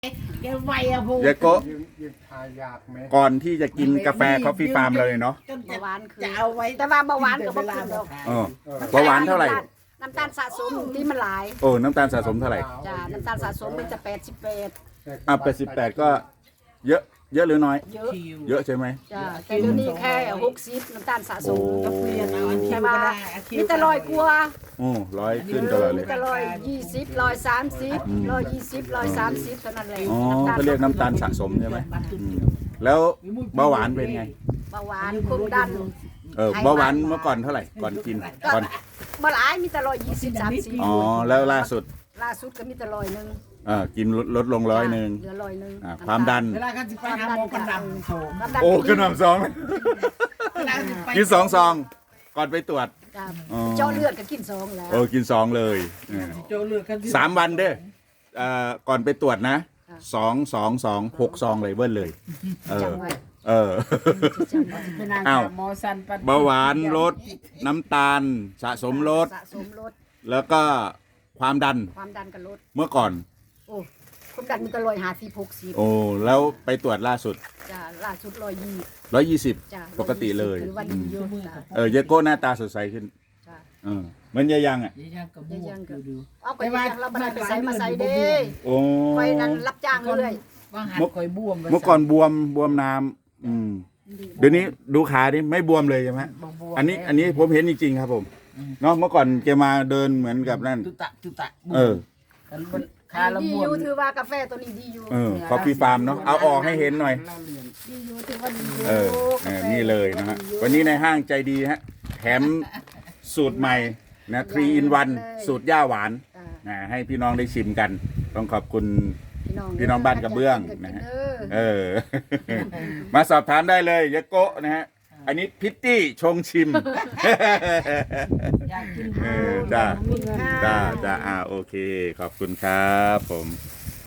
แกไวอะพูเดี๋ยวก็ยังทายากไหมก่อนที่จะกินกาแฟคอฟฟี่ฟาร์มเลยเนาะจนเบาหวานคือจะเอาไว้แต่ว่าเบาหวานก็บ่ขึ้นหรอกเออเบาหวานเท่าไหร่น้ำตาลสะสมที่มันหลายโอ้น้ำตาลสะสมเท่าไหร่จ้าน้ำตาลสะสมมันจะ 88ก็เยอะเยอะหรือน้อยเยอะคิวเยอะใช่ไหมจ้าแต่เดี๋ยวนี้แค่60น้ำตาลสะสมโอ้ก็เปลี่ยนเอาอันคิแต่วว่าก็ได้อันคิวมีแต่ลอยกลัวโอ้100ขึ้นตลอดเลมียแต่120 130 120 130เท่านั้นแหละอ๋อเขาเรียกน้ำตาลสะสมใช่ไหมอืมแล้วเบาหวานเป็นไงเบาหวานความดันเบาหวานเมื่อก่อนเท่าไหร่ก่อนกินก่อนบ่หลายมีแต่120 30 อ๋อแล้วล่าสุดล่าสุดก็มีแต่100นึงกินลดลง100 เหลือ100นึงความดันเวลากันจะไปหาหมอกันดำโถความดันโอ้ขึ้นมา2 เวลาจะไปกิน2 ซองก่อนไปตรวจจ้าอ๋อเจาะเลือดก็กิน2แล้วโอ้กิน2เลยโจเลือกกันที่ 3 วันเด้อก่อนไปตรวจนะ6 ซองเลยเบิ้ลเลยเออจำไว้เออจำไว้เป็นนางอ้าวหมอสันปัดเบาหวานลดน้ำตาลสะสมลดสะสมลดแล้วก็ความดันความดันก็ลดเมื่อก่อนโอ้ความดันมันก็150 โอ้แล้วไปตรวจล่าสุดจ้าล่าสุด 120 จ้าปกติเลยถือว่าดีอยู่จ้าเยโก้หน้าตาสดใสขึ้นจ้าเหมันยายังอ่ะยังกระบวกดูเอาไปยังเราบ่ได้ไปใส่มาใส่เด้โอ้ไปนั้นรับจ้างเรื่อยว่างหันคอยบวมเมื่อก่อนบวมน้ำเดี๋ยวนี้ดูขาดิไม่บวมเลยใช่ไหมอันนี้ผมเห็นจริงๆครับผมเนาะเมื่อก่อนแกมาเดินเหมือนกับนั่นตุตะเออๆคาละดีบอวมยู่ถือว่ากาแฟตัวนี้ดีอยู่คอฟฟี่ฟาร์มเนาะเอาออกให้เห็นหน่อยดีอยู่ถือว่าดีอยู่เออนี่เลยนะฮะวันนี้ในห้างใจดีฮะแถมสูตรใหม่นะ3 in 1สูตรย่าหวานจ้าให้พี่น้องได้ชิมกัน ต้องขอบคุณ พี่น้องบ้านกระเบื้องนะฮะ มาสอบถามได้เลยยะโกะนะฮะอันนี้พิตตี้ชงชิมอยากกินจ้าจ้าโอเค ขอบคุณครับผม